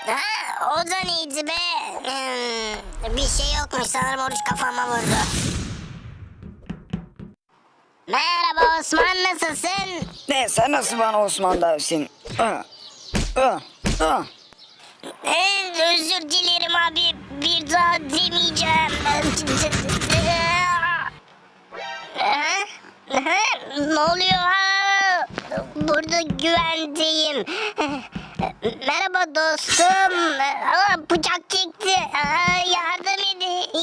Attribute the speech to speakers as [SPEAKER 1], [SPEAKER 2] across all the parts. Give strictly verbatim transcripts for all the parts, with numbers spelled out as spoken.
[SPEAKER 1] Ha, o da neydi be? Hmm, bir şey yokmuş, sanırım oruç kafama vurdu. Merhaba Osman, nasılsın?
[SPEAKER 2] Ne, sen nasıl bana Osman dersin? Ah, ah, ah.
[SPEAKER 1] Ee, özür dilerim abi, bir daha demeyeceğim. Ha? Ha? Ne oluyor? Ha? Burada güvendeyim. Merhaba dostum. Aa, bıçak çekti. Aa, yardım edin.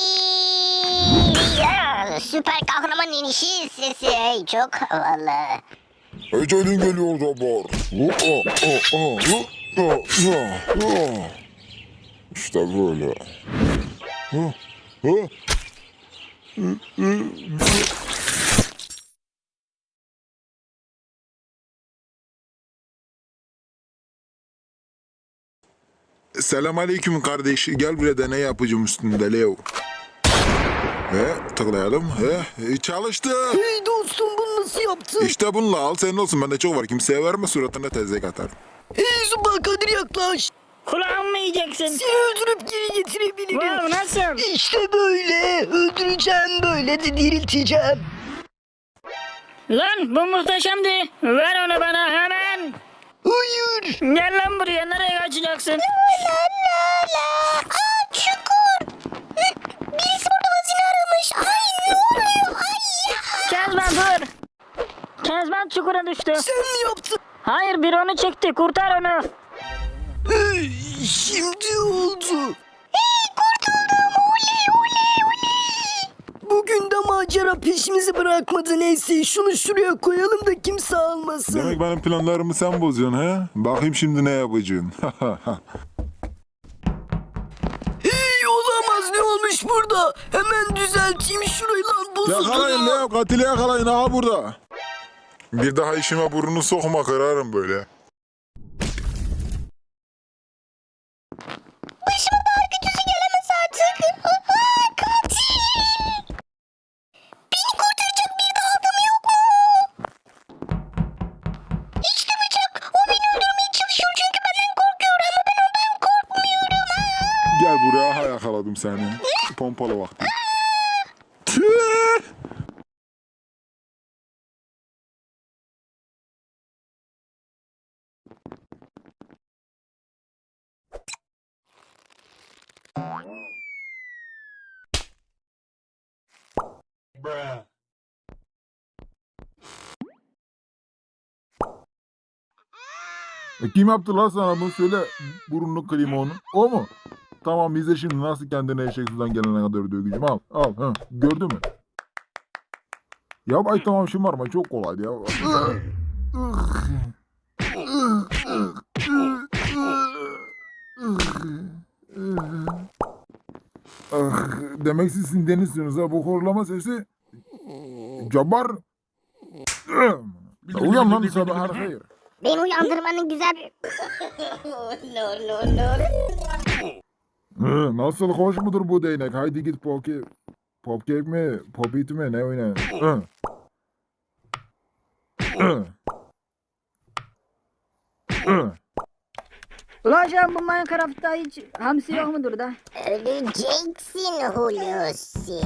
[SPEAKER 1] Ya, süper kahraman inişi sesi. Hey, çok havalı.
[SPEAKER 3] Ecelin geliyor Cabbar. İşte böyle. Selam aleyküm kardeş. Gel buraya deney yapacağım üstünde Leo. He, tıklayalım. He, çalıştı.
[SPEAKER 2] Hey dostum, bunu nasıl yaptın?
[SPEAKER 3] İşte bununla al, senin olsun. Bende çok var. Kimseye verme, suratına tezek atar.
[SPEAKER 2] Hey Zumba Kadir, yaklaş.
[SPEAKER 4] Kulağımı mı yiyeceksin?
[SPEAKER 2] Seni öldürüp geri getirebilirim.
[SPEAKER 4] Wow, nasıl?
[SPEAKER 2] İşte böyle. Öldüreceğim, böyle de dirilteceğim.
[SPEAKER 4] Lan bu muhteşemdi. Ver onu bana hemen.
[SPEAKER 2] Hayır.
[SPEAKER 4] Gel lan buraya, nereye kaçacaksın?
[SPEAKER 1] La la la. Aa, çukur. Birisi burada hazine aramış. Ay, ne oluyor? Ay ya.
[SPEAKER 4] Kezban dur. Kezban çukura düştü.
[SPEAKER 2] Sen mi yaptın?
[SPEAKER 4] Hayır, biri onu çekti, kurtar onu.
[SPEAKER 2] Hey, şimdi oldu.
[SPEAKER 1] Hey, kurtuldum. Oley oley oley.
[SPEAKER 2] Bugün de macera peşimizi bırakmadı. Neyse, şunu şuraya koyalım da kimse almasın.
[SPEAKER 3] Demek benim planlarımı sen bozuyorsun he? Bakayım şimdi ne yapacaksın.
[SPEAKER 2] Hey, olamaz, ne olmuş burada? Hemen düzelteyim şurayı lan, bozuldu.
[SPEAKER 3] Yakalayın Leo, katili yakalayın ha burada. Bir daha işime burnunu sokma, kırarım böyle.
[SPEAKER 1] Başıma daha kötüsü gelemez artık. Aa, katil. Beni kurtaracak bir de adam yok mu? İşte bıçak. O beni öldürmeye çalışıyor çünkü benden korkuyor ama ben ondan korkmuyorum. Aa.
[SPEAKER 3] Gel buraya, aha yakaladım seni. Pompalı vakti. E, kim yaptı lan sana bunu, söyle, burnunu kırayım onu. O mu? Tamam, izle şimdi nasıl kendine eşek sudan gelene kadar döveceğim. Al al. Ha. Gördün mü? Ya ay tamam, şımarma, çok kolaydı ya. Demek siz sinirleniyorsunuz ha, bu horlama sesi. Cabbar. Uyan lan, sabah hayır.
[SPEAKER 1] Beni uyandırmanın güzel bir... no no no.
[SPEAKER 3] Hı, nasıl hoş mudur bu değnek? Haydi git poke... Popcake mi? Popit mi? Ne oyna? Hı. Hı. Hı.
[SPEAKER 4] Ulan sen bu Minecraft'ta hiç hamsi yok mudur da?
[SPEAKER 1] Öleceksin Hulusi.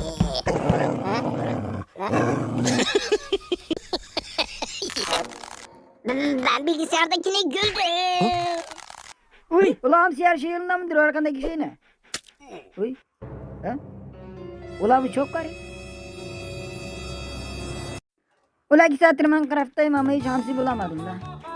[SPEAKER 1] Ben bilgisayardakine güldüm.
[SPEAKER 4] Uy, ulan hamsi her şey yolunda mıdır? O arkandaki şey ne? Uy. Ha? Ulan bu çok garip. Ulan iki saattir Minecraft'tayım ama hiç hamsi bulamadım da.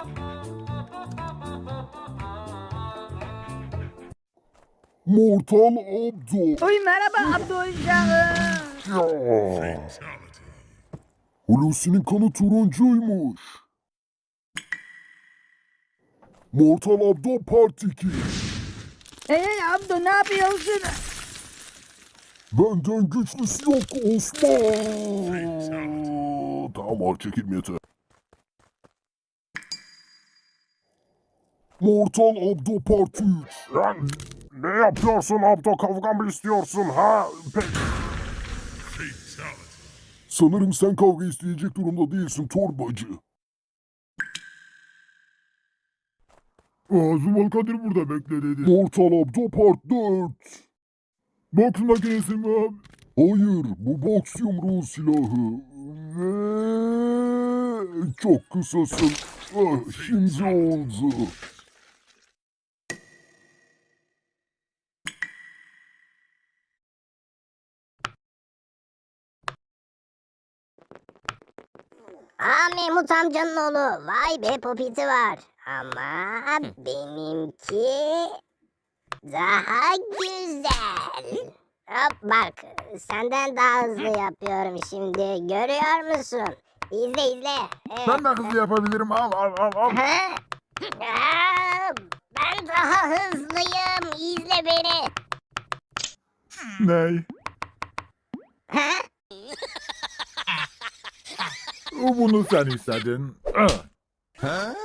[SPEAKER 3] Mortal Abdo.
[SPEAKER 4] Uy, merhaba Abdülşah'ım.
[SPEAKER 3] Ya. Hulusi'nin kanı turuncuymuş. Mortal Abdo Part iki.
[SPEAKER 4] Hey Abdü, ne yapıyorsun?
[SPEAKER 3] Benden güçlüsü yok Osman. Tamam abi, çekilme yeter. Mortal Abdo Part üç. Lan ne yapıyorsun Abdo, kavga mı istiyorsun ha? Peki. Sanırım sen kavga isteyecek durumda değilsin torbacı. Aa, Zumal Kadir burada bekle dedi. Ortalapta part dört. Boks makinesi mi abi? Hayır, bu boks yumruğu silahı. Ve çok kısasın. Ah, şimdi oldu.
[SPEAKER 1] Aa, Mahmut amcanın oğlu. Vay be, popiti var. Ama benimki daha güzel. Hop bak, senden daha hızlı yapıyorum şimdi. Görüyor musun? İzle izle. Evet.
[SPEAKER 3] Ben de hızlı yapabilirim. Al al al al.
[SPEAKER 1] Ha? Aa, ben daha hızlıyım. İzle beni.
[SPEAKER 3] Ney?
[SPEAKER 1] Ha?
[SPEAKER 3] Bunu sen istedin. Ah.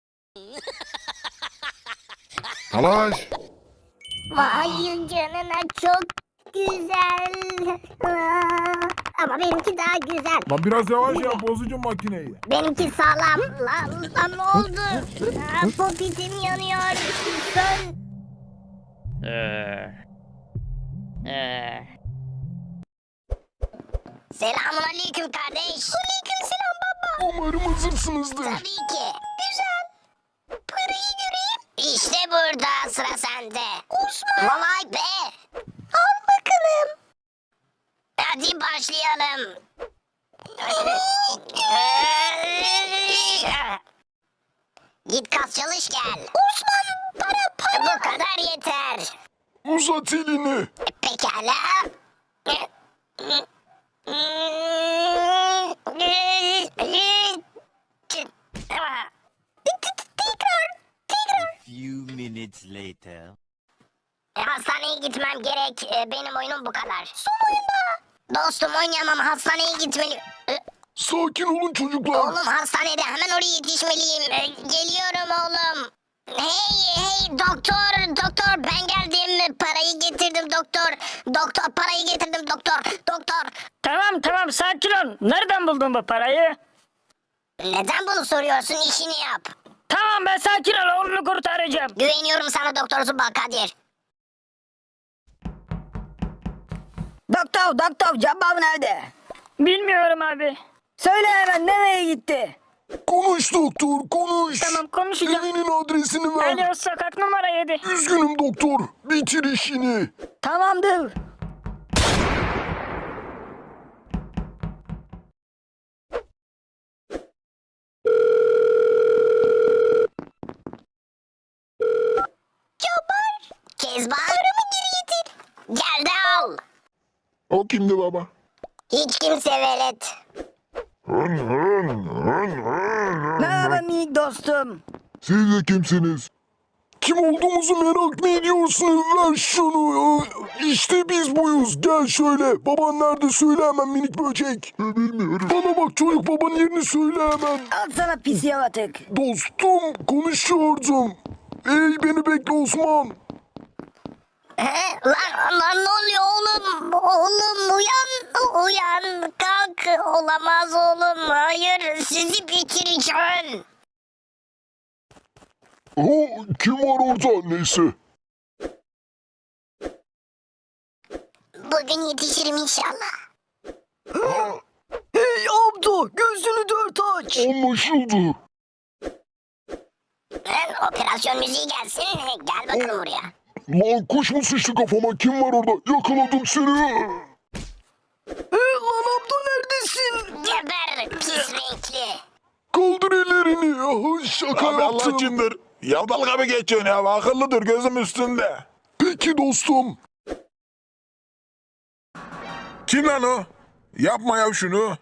[SPEAKER 3] Talaş.
[SPEAKER 1] Vay canına, çok güzel. Aa, ama benimki daha güzel.
[SPEAKER 3] Lan biraz yavaş yap, bozacağım makineyi.
[SPEAKER 1] Benimki sağlam. Lan, lan ne oldu? Aa, popitim yanıyor. Sön.
[SPEAKER 5] Ee, ee,
[SPEAKER 1] Selamun aleyküm kardeş. Aleyküm selam baba.
[SPEAKER 3] Umarım hazırsınızdır.
[SPEAKER 1] Tabii ki. Güzel. Parayı göreyim. İşte burada, sıra sende. Osman. Vay be. Al bakalım. Hadi başlayalım. Git kas çalış gel. Osman, para para. Bu kadar yeter.
[SPEAKER 3] Uzat elini.
[SPEAKER 1] Pekala. Tekrar, tekrar.
[SPEAKER 5] few minutes later.
[SPEAKER 1] E, hastaneye gitmem gerek. E, benim oyunum bu kadar. Son oyunda. Dostum, oynayamam. Hastaneye gitmeli. E,
[SPEAKER 3] Sakin olun çocuklar.
[SPEAKER 1] Oğlum hastanede, hemen oraya yetişmeliyim. E, geliyorum oğlum. Hey hey doktor, doktor ben geldim. Parayı getirdim doktor. Doktor, parayı getirdim doktor. Doktor.
[SPEAKER 4] Tamam tamam sakin ol. Nereden buldun bu parayı?
[SPEAKER 1] Neden bunu soruyorsun? İşini yap.
[SPEAKER 4] Tamam ben sakin ol, oğlunu kurtaracağım.
[SPEAKER 1] Güveniyorum sana Doktor Zubal Kadir.
[SPEAKER 4] Doktor doktor Cabbar nerede? Bilmiyorum abi. Söyle hemen, nereye gitti?
[SPEAKER 3] Konuş doktor, konuş.
[SPEAKER 4] Tamam konuşacağım.
[SPEAKER 3] Evinin adresini ver.
[SPEAKER 4] Alo, sokak numara yedi.
[SPEAKER 3] Üzgünüm doktor. Bitir işini.
[SPEAKER 4] Tamamdır.
[SPEAKER 1] Kezban. Paramı geri getir. Gel de al.
[SPEAKER 3] O kimdi baba?
[SPEAKER 1] Hiç kimse velet.
[SPEAKER 3] Hın hın hın hın.
[SPEAKER 4] Merhaba minik dostum.
[SPEAKER 3] Siz de kimsiniz? Kim olduğumuzu merak mı ediyorsun? Ver şunu. İşte biz buyuz. Gel şöyle. Baban nerede, söyle hemen minik böcek. Bilmiyorum. Bana bak çocuk, babanın yerini söyle hemen.
[SPEAKER 4] Al sana pis yavatık.
[SPEAKER 3] Dostum, konuşuyordum. Ey beni bekle Osman.
[SPEAKER 1] He? Lan, lan ne oluyor oğlum? Oğlum uyan. Uyan. Kalk. Olamaz oğlum. Hayır. Sizi bitireceğim.
[SPEAKER 3] Ha, kim var orada? Neyse.
[SPEAKER 1] Bugün yetişirim inşallah.
[SPEAKER 2] Hey Abdo, gözünü dört aç.
[SPEAKER 3] Anlaşıldı.
[SPEAKER 1] Lan, operasyon müziği gelsin. Gel bakalım buraya.
[SPEAKER 3] Lan kuş mu sıçtı kafama? Kim var orada? Yakaladım seni.
[SPEAKER 2] Hey lan Abdo, neredesin?
[SPEAKER 1] Geber pis renkli.
[SPEAKER 3] Kaldır ellerini. Ah, şaka
[SPEAKER 6] Abi Allah
[SPEAKER 3] yaptım.
[SPEAKER 6] içindir. Ya dalga mı geçiyorsun ya? Akıllıdır gözüm üstünde.
[SPEAKER 3] Peki dostum.
[SPEAKER 6] Kim lan o? Yapma ya şunu.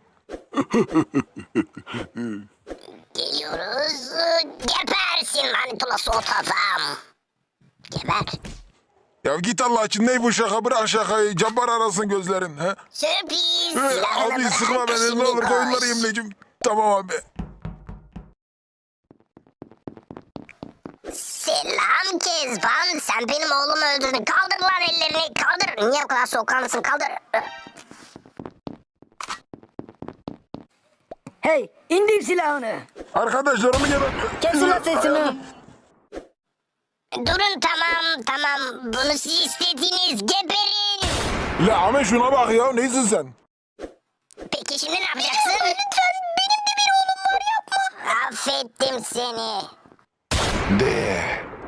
[SPEAKER 1] Geliyoruz. Gebersin manitulası ot adam. Geber.
[SPEAKER 6] Ya git Allah için, ne bu şaka, bırak şakayı. Cabbar arasın gözlerin. He?
[SPEAKER 1] Sürpriz.
[SPEAKER 6] He,
[SPEAKER 1] Silahını
[SPEAKER 6] abi
[SPEAKER 1] bırak,
[SPEAKER 6] sıkma beni,
[SPEAKER 1] şimdi
[SPEAKER 6] ne olur
[SPEAKER 1] koş.
[SPEAKER 6] koyunları yemleyeceğim. Tamam abi.
[SPEAKER 1] Selam Kezban. Sen benim oğlumu öldürdün. Kaldır lan ellerini. Kaldır. Niye bu kadar soğukkanlısın? Kaldır.
[SPEAKER 4] Hey, indir silahını.
[SPEAKER 6] Arkadaşlarımı gel.
[SPEAKER 4] Kes ulan sesini.
[SPEAKER 1] Durun tamam tamam. Bunu siz istediğiniz geberin.
[SPEAKER 6] La Ahmet şuna bak ya neysin sen?
[SPEAKER 1] Peki şimdi ne yapacaksın? Lütfen benim de bir oğlum var yapma. Affettim seni.
[SPEAKER 6] De.